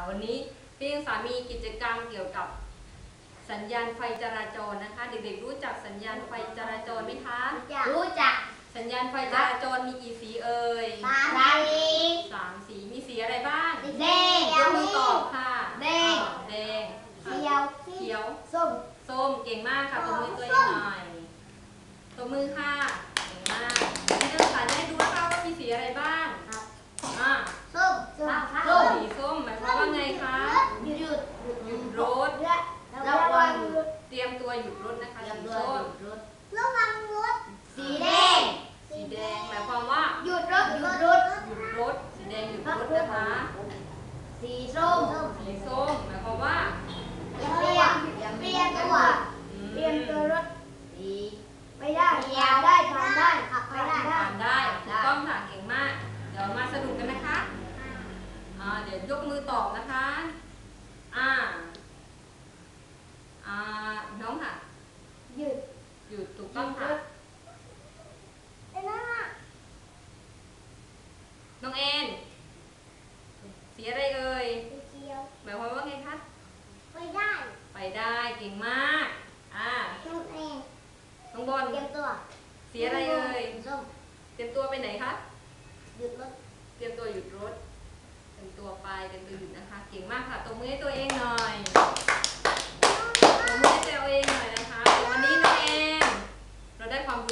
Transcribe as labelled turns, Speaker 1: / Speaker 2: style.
Speaker 1: วันนี้พี่ยังสามีกิจกรรมเกี่ยวกับสัญญาณไฟจราจรนะคะเด็กๆรู้จักสัญญาณไฟจราจรไหมคะ
Speaker 2: รู้จัก
Speaker 1: สัญญาณไฟจราจรมีกี่สีเอ่ย3 สีมีสีอะไรบ้าง
Speaker 2: แดง
Speaker 1: ยกมือตอบค่ะ
Speaker 2: แดง
Speaker 1: เขียวส้มเก่งมากค่ะตบมือตัวเองหน่อยตบมือค่ะเก่งมากพี่นักศึกษาได้ดูนะคะว่ามีสีอะไรบ้าง
Speaker 2: ส้ม
Speaker 1: สีส้มหมายความว่าไงคะหยุดรถ
Speaker 2: ระวัง
Speaker 1: เตรียมตัวหยุดรถนะคะสีส้ม
Speaker 2: ระวังรถสีแดง
Speaker 1: หมายความว่า
Speaker 2: หยุดรถ
Speaker 1: สีแดงหยุดรถนะคะ
Speaker 2: สีส้ม
Speaker 1: หมายความว่า
Speaker 2: เปลี่ยนตัวรถไม่ได้ผ่านได้ขับไป
Speaker 1: ได้ถูกต้องค่ะเก่งมากเดี๋ยวมาสรุปกันนะคะเดี๋ยวยกมือตอบนะคะน้องค่ะ
Speaker 2: หยุด
Speaker 1: ถูกต้องค่ะน้องเอ็นสีอะไรเอ่ยหมายความว่าไงคะ
Speaker 2: ไปได้
Speaker 1: เก่งมากน้องบอล
Speaker 2: เตรียมตัว
Speaker 1: สีอะไรเอ่ย
Speaker 2: ส้ม
Speaker 1: เตรียมตัวไปไหนคะ
Speaker 2: หยุดรถ
Speaker 1: เตรียมตัวหยุดรถเตรียมตัวไปเตรียมตัวหยุดนะคะเก่งมากค่ะตบมือให้ตัวเองหน่อยตบมือให้ตัวเองหน่อยนะคะวันนี้น้องเอ็นเราได้ความ